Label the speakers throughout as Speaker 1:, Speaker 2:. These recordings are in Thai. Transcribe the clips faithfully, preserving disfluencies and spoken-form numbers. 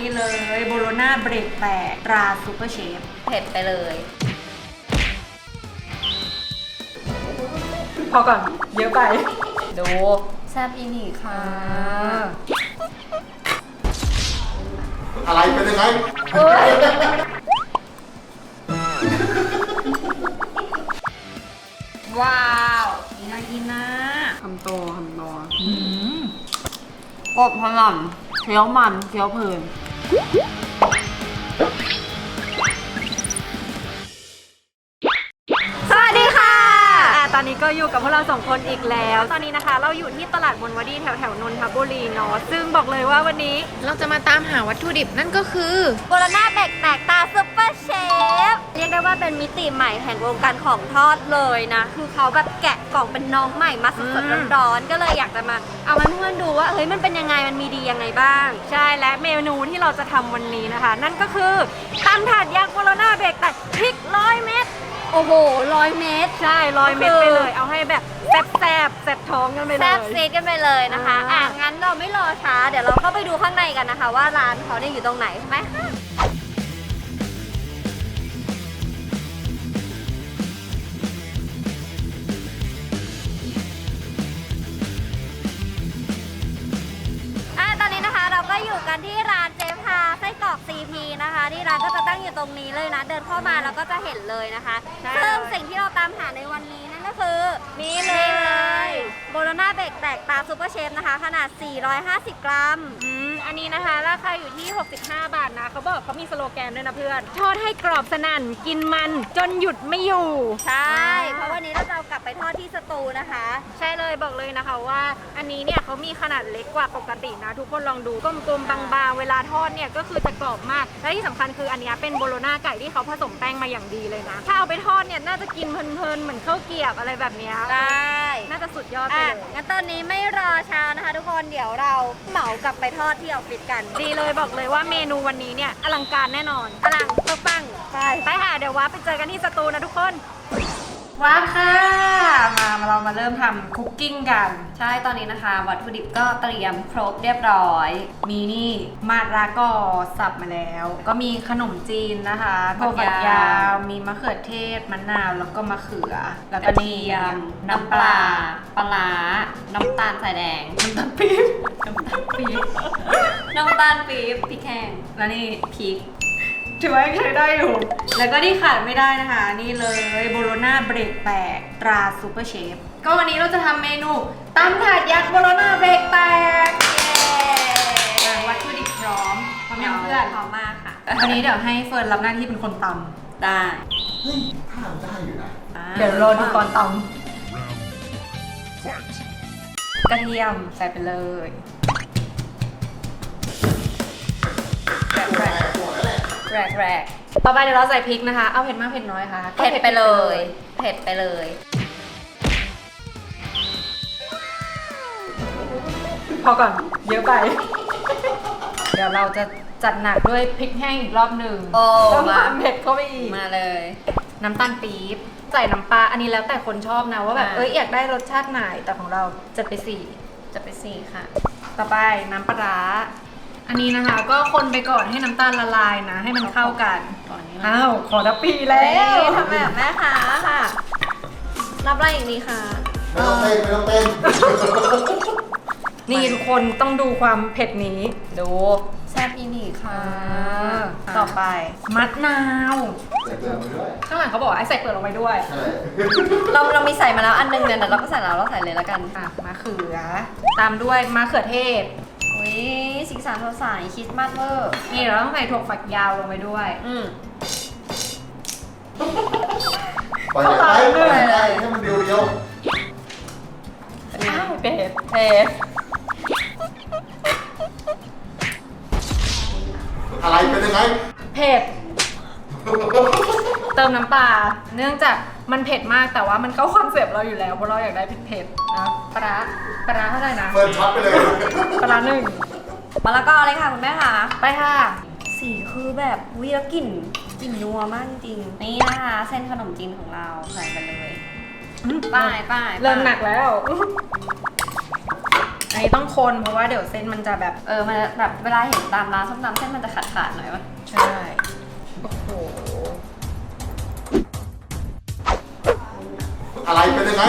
Speaker 1: นี่เลยโบโลน่าเบรกแตกตราซูเปอร์เชฟ
Speaker 2: เผ็ดไปเลย
Speaker 1: พอก่อนเยอะไป
Speaker 2: ดูแซ่บอีนี่ค่ะ
Speaker 3: อะไรเป็นยังไง
Speaker 2: ว้าว
Speaker 1: น่ากินนะ
Speaker 2: คำโตคำโตกบพลันเคี้ยวมันเคี้ยวเพลิน
Speaker 1: สวัสดีค่ะตอนนี้ก็อยู่กับพวกเราสองคนอีกแล้วตอนนี้นะคะเราอยู่ที่ตลาดบนวดีแถวแถวนนทบุรีเนาะซึ่งบอกเลยว่าวันนี้
Speaker 2: เราจะมาตามหาวัตถุดิบนั่นก็คือ
Speaker 4: โบโลน่าเบรกแตกตาซุปเปอร์เชฟเรียกได้ว่าเป็นมิติใหม่แห่งวงการของทอดเลยนะคือเขาแบบแกะกล่องเป็นน้องใหม่มาสดๆร้อนๆก็เลยอยากจะมาเอามาเพื่อนดูว่าเฮ้ยมันเป็นยังไงมันมีดียังไงบ้าง
Speaker 1: ใช่และเมนูที่เราจะทำวันนี้นะคะนั่นก็คือตำถาดยักษ์โบโลน่าเบรกแตกพริกร้อยเม็ด
Speaker 4: โอ้โหร้อยเม็ด
Speaker 1: ใช่ร้อยเม็ดไปเลยเอาให้แบบแซ่บแซ่บแซ่บท้องกันไปเลย
Speaker 4: แซ่บซีดกันไปเลยนะคะอ่ะงั้นเราไม่รอช้าเดี๋ยวเราเข้าไปดูข้างในกันนะคะว่าร้านเขาเนี่ยอยู่ตรงไหนไหมคะก็อยู่กันที่ร้านเจ๊พาไส้กรอก ซี พี นะคะที่ร้านก็จะตั้งอยู่ตรงนี้เลยนะเดินเข้ามาแล้วก็จะเห็นเลยนะคะซึ่งสิ่งที่เราตามหาในวันนี้นั่นก็คือนี่เลยโบโลน่าเบรกแตกตาซูเปอร์เชฟนะคะขนาดสี่ร้อยห้าสิบกรัม
Speaker 1: อืมอันนี้นะคะราคาอยู่ที่หกสิบห้าบาทนะเขาบอกเขามีสโลแกนด้วยนะเพื่อนทอดให้กรอบสนั่นกินมันจนหยุดไม่อยู่
Speaker 4: ใช่เพราะวันนี้เราจะเอากลับไปทอดที่สตูนะคะ
Speaker 1: ใช่เลยบอกเลยนะคะว่าอันนี้เนี่ยเขามีขนาดเล็กกว่าปกตินะทุกคนลองดูกลมๆบางๆเวลาทอดเนี่ยก็คือจะกรอบมากและที่สำคัญคืออันนี้เป็นโบโลน่าไก่ที่เขาผสมแป้งมาอย่างดีเลยนะถ้าเอาไปทอดเนี่ยน่าจะกินเพลินๆเหมือนข้าวเกรี๊ยวอะไรแบบนี้
Speaker 4: ได้
Speaker 1: น่าจะสุดยอดไปเลย
Speaker 4: งั้นตอนนี้ไม่รอช้านะคะทุกคนเดี๋ยวเราเหมากลับไปทอดที่ออฟฟิศกัน
Speaker 1: ดีเลยบอกเลยว่าเมนูวันนี้เนี่ยอลังการแน่นอน
Speaker 4: อลังปัง
Speaker 1: ไปไปค่ะเดี๋ยวว่าไปเจอกันที่สตูนะทุกคนว้าค่ะมาเรามาเริ่มทำคุกกิ้งกัน
Speaker 4: ใช่ตอนนี้นะคะวัตถุดิบก็เตรียมครบเรียบร้อย
Speaker 1: มีนี่มาดราก็สับมาแล้วก็มีขนมจีนนะคะถั่วฝักยาวมีมะเขือเทศมะนาวแล้วก็มะเขือแล้วก็นี่
Speaker 4: น้ำปลาปลาน้ำตาลสายแดง
Speaker 1: น้ำตาลปี๊บน้ำตาลปี๊บ
Speaker 4: น้ำตาลปี๊บพริกแห้ง
Speaker 1: แล้วนี่พริกถือว่ายังใช้ได้อยู่แล้วก็ที่ขาดไม่ได้นะคะนี่เลยโบโลน่าเบรกแตกตราซูเปอร์เชฟก็วันนี้เราจะทำเมนูตำถาดยักษ์โบโลน่าเบรกแตกเย้วัตถุดิบพร้อมพร้อมยังเพื่อน
Speaker 4: พร้อมมากค่ะ
Speaker 1: วันนี้เดี๋ยวให้เฟิร์นรับหน้าที่เป็นคนต
Speaker 4: ำได้
Speaker 3: เฮ้ยถ้าทำได้อยู่นะ
Speaker 1: เดี๋ยวรอดูตอนตำกระเทียมใส่ไปเลยแรกแรกต่อไปเดี๋ยวเราใส่พริกนะคะเอาเผ็ดมากเผ็ดน้อยค่ะ
Speaker 4: เผ็ดไปเลยเผ็ดไปเลย
Speaker 1: พอก่อนเยอะไปเดี๋ยวเราจะจัดหนักด้วยพริกแห้งอีกรอบหนึ่ง
Speaker 4: โอ้
Speaker 1: มาเผ็ดเข้าไปอีก
Speaker 4: มาเลย
Speaker 1: น้ำตาลปี๊บใส่น้ำปลาอันนี้แล้วแต่คนชอบนะว่าแบบเอ้ยอยากได้รสชาติไหนแต่ของเราจะไปสี่
Speaker 4: จะไปสี่ค่ะ
Speaker 1: ต่อไปน้ำปลาอันนี้นะคะก็คนไปก่อนให้น้ำตาลละลายนะให้มันเข้ากันอ้าวขอทับปีแล้ว
Speaker 4: ทำแบบแม่ค้าค่ะรับอะไรอีกดีคะ
Speaker 3: ไม่ต้องเต้นไม่ต้องเต้น
Speaker 1: นี่ทุกคนต้องดูความเผ็ดนี้
Speaker 4: ดูแซ่บอีนี่ค่ะ
Speaker 1: ต่อไปมะนาว
Speaker 3: ใส่เกลือมาด้วย
Speaker 1: ข้างหลังเขาบอกไอ้ใส่เปลือกลงไปด้วย
Speaker 4: เราเรามีใส่มาแล้วอันนึงเนี่ยแต่เราก็ใส่แล้วเราใส่เลยแล้วกัน
Speaker 1: ค่ะมะเขือตามด้วยมะเขือเทศ
Speaker 4: อุ้ยสีสันสดใสคริสต์มาสเวอร์
Speaker 1: นี่เราต้องใส่ถั่วฝักยาวลงไปด้วย
Speaker 4: อืม
Speaker 3: ไปเลยไปเลยให้มันเดียวเดียว
Speaker 1: อ้าวเผ็ดเผ็ด
Speaker 3: อะไรเป็นยังไง
Speaker 1: เผ็ดเติมน้ำปลาเนื่องจากมันเผ็ดมากแต่ว่ามันก็คอนเซปต์เราอยู่แล้วเพราะเราอยากได้เผ็ดๆนะปลาปลาเท่าไหร่นะ
Speaker 3: เฟิร์นช็อตไปเลย
Speaker 1: ปลาหนึ่ง
Speaker 4: มะละกอเลยค่ะคุณแม่ค่ะ
Speaker 1: ไปค่ะ
Speaker 4: สีคือแบบวิวกลิ่นกลิ่นนัวมากจริงนี่นะคะเส้นขนมจีนของเราใส่ไปเลยป้ายป้าย
Speaker 1: เริ่มหนักแล้วไอ้นี้ต้องคนเพราะว่าเดี๋ยวเส้นมันจะแบบ
Speaker 4: เออมันแบบเวลาเห็นตามร้านส้มตำเส้นมันจะขาดขาดๆหน่อยวะ
Speaker 1: ใช่โอ้โห
Speaker 3: อะไรเป็นยังไง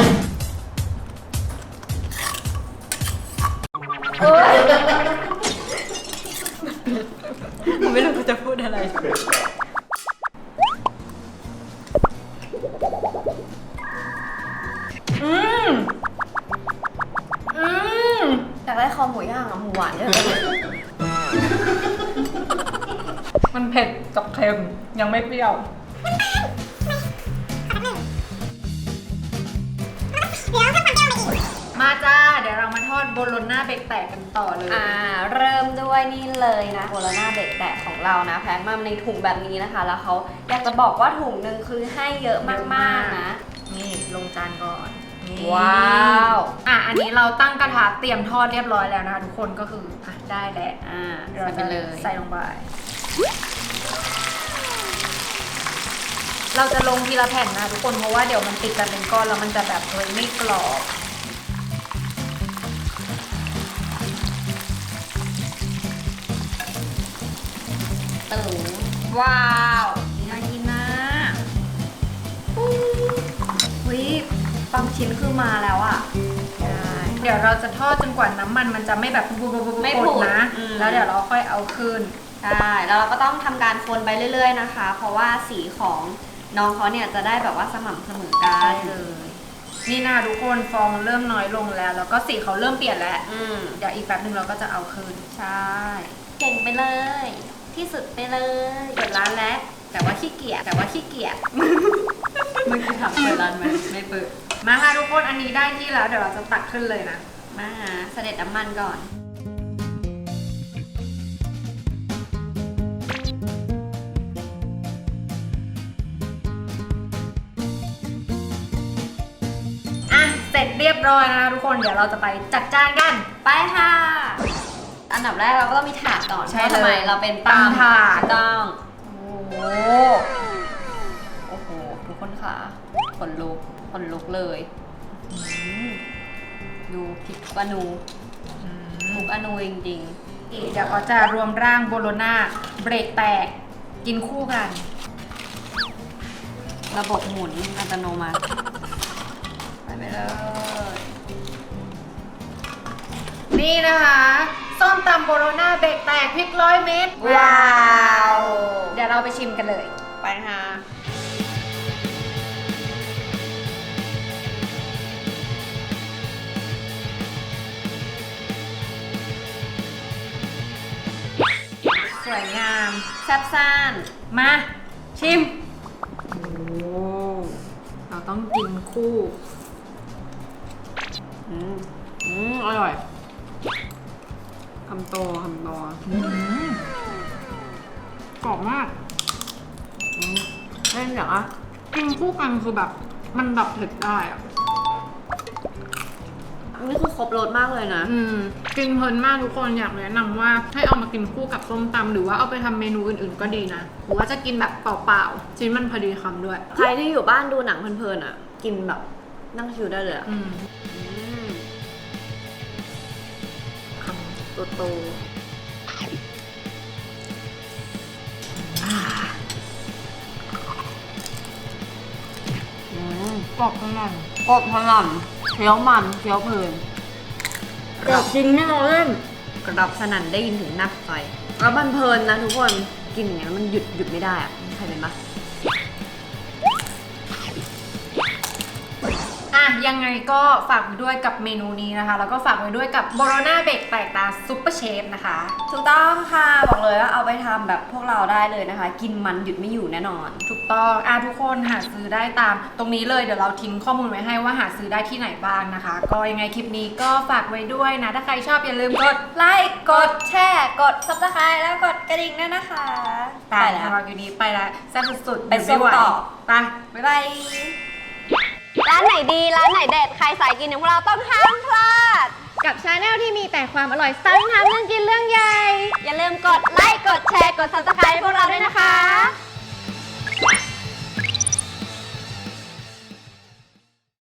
Speaker 1: ผมไม่รู้จะพูดอะไรอืมอืม
Speaker 4: อยากได้คอหมูย่างอะหมูหวานเยอะเลย
Speaker 1: มันเผ็ดกับเค็มยังไม่เปรี้ยวมาจ้าเดี๋ยวเรามาทอดโบโลน่าเบรกแตกกันต่อเลย
Speaker 4: อ่าเริ่มด้วยนี่เลยนะโบโลน่าเบรกแตกของเรานะแพ็คมาในถุงแบบนี้นะคะ แล้วเขาอยากจะบอกว่าถุงหนึ่งคือให้เยอะมากๆนะ
Speaker 1: นี่ลงจานก่อนนี่
Speaker 4: ว้าว
Speaker 1: อ่ะอันนี้เราตั้งกระทะเตรียมทอดเรียบร้อยแล้วนะคะทุกคนก็คืออ่ะได้แล้ว
Speaker 4: อ่า
Speaker 1: เรา
Speaker 4: ใส่ไป
Speaker 1: จะ
Speaker 4: เลย
Speaker 1: ใส่ลงไป เราจะลงทีละแผ่นนะทุกคนเพราะว่าเดี๋ยวมันติดกันเป็นก้อนแล้วมันจะแบบเลยไม่กรอบตึงว้าวน่ากินนะ
Speaker 4: วิบางชิ้นคือมาแล้วอ่ะ
Speaker 1: เดี๋ยวเราจะทอดจนกว่าน้ำมันมันจะไม่แบบบุบๆๆๆ
Speaker 4: ไม่ผุด
Speaker 1: นะ
Speaker 4: อืม
Speaker 1: แล้วเดี๋ยวเราค่อยเอาขึ้น
Speaker 4: ใช่แล้วเราก็ต้องทำการคนไปเรื่อยๆนะคะ เพราะว่าสีของน้องเขาเนี่ยจะได้แบบว่าสม่ำเสมอกั
Speaker 1: ได้
Speaker 4: น
Speaker 1: เลย นี่นะทุกคนฟองเริ่มน้อยลงแล้ว แล้วก็สีเขาเริ่มเปลี่ยนแล้ว
Speaker 4: อืม
Speaker 1: เดี๋ยวอีกแป๊บนึงเราก็จะเอาคืน
Speaker 4: ใช่ เก่งไปเลย ที่สุดไปเลย
Speaker 1: เปิดร้านแล้ว แต่ว่าขี้เกียจแต่ว่าขี้เกียจ
Speaker 4: เมื่อกี้ถามเปิดร้านไหมไม่เปิด
Speaker 1: มาค่ะทุกคนอันนี้ได้ที่แล้วเดี๋ยวเราจะตักขึ้นเลยนะ
Speaker 4: มาหาเสด็จน้ำมันก่อน
Speaker 1: อ่ะเสร็จเรียบร้อยนะคะทุกคนเดี๋ยวเราจะไปจัดจานกัน
Speaker 4: ไปค่ะ อันดับแรกเราก็ต้องมีถาดก่อน
Speaker 1: ใช่
Speaker 4: เพราะทำไม
Speaker 1: เลย
Speaker 4: เราเป็น
Speaker 1: ตำถาด
Speaker 4: ถูกต้อง
Speaker 1: โอ้
Speaker 4: โอ้โห ทุกคนค่ะขนลุกขนลุกเลยอืมดูพริกอนูทุกอนูจริง
Speaker 1: เดี๋ยวเขาจะรวมร่างโบโลน่าเบรกแตกกินคู่กัน
Speaker 4: ๆ ระบบหมุนอัตโนมัติ
Speaker 1: ไปไปเลย นี่นะคะส้มตำโบโลน่าเบรกแตกพริกร้อยเม็ด
Speaker 4: ว้าว
Speaker 1: เดี๋ยวเราไปชิมกันเลย
Speaker 4: ไปค่ะ
Speaker 1: สวยงาม
Speaker 4: แซ่บซ่าน
Speaker 1: มาชิม โอ้เราต้องกินคู่
Speaker 4: อืมอืมอร่อยคำโตคำโต
Speaker 1: กรอบมาก
Speaker 4: อืมเล่นอย่างอ่ะ
Speaker 1: กินคู่กันคือแบบมันดับเผ็ดได้อะ
Speaker 4: นี่คือครบรสมากเลยนะ
Speaker 1: อืมกินเพลินมากทุกคนอยากแนะนำว่าให้เอามากินคู่กับส้มตำหรือว่าเอาไปทำเมนูอื่นๆก็ดีนะหรือว่าจะกินแบบเปล่าๆชิ้นมันพอดีคำด้วย
Speaker 4: ใครที่อยู่บ้านดูหนังเพลินๆอ่ะ กินแบบนั่งชิวได้เลยอ่ะ
Speaker 1: อืม
Speaker 4: อืม
Speaker 1: คำโตๆ
Speaker 4: อืม
Speaker 1: กรอบข้างใน
Speaker 4: กรอบพลันเคี้ยวมันเคี้ยวเพลิน
Speaker 1: กรอบจริงไม่ล้อเล่น
Speaker 4: กระดับสนั่นได้ยินถึงนักไฟแล้วมันเพลินนะทุกคนกินอย่างเงี้ยมันหยุดหยุดไม่ได้อ่ะใครเป็นปะ
Speaker 1: อ่ะยังไงก็ฝากไว้ด้วยกับเมนูนี้นะคะ แล้วก็ฝากไว้ด้วยกับโบโลน่าเบรกแตกตาซุปเปอร์เชฟนะคะ
Speaker 4: ถูกต้องค่ะบอกเลยว่าเอาไปทำแบบพวกเราได้เลยนะคะ กินมันหยุดไม่อยู่แน่นอน
Speaker 1: ถูกต้องอ่ะทุกคนหาซื้อได้ตามตรงนี้เลยเดี๋ยวเราทิ้งข้อมูลไว้ให้ว่าหาซื้อได้ที่ไหนบ้างนะคะ ก็ยังไงคลิปนี้ก็ฝากไว้ด้วยนะ ถ้าใครชอบอย่าลืมกด
Speaker 4: ไลค์กดแชร์กด ซับสไครต์แล้วกดกระดิ่งด้วยนะคะ
Speaker 1: ตาย
Speaker 4: แล้
Speaker 1: แล้ว วอยู่นี้ไปแล้วแซ่บสุดๆ
Speaker 4: ไปส้มต่อ
Speaker 1: ไป
Speaker 4: บ๊ายบายร้านไหนดีร้านไหนเด็ดใครสายกินอย่างพวกเราต้องห้ามพลาด
Speaker 2: กับชาแนลที่มีแต่ความอร่อยสไตล์ทำเรื่องกินเรื่องใหญ่
Speaker 4: อย่าลืมกดไลค์กดแชร์กด ซับสไครต์พวกเราด้วยนะคะ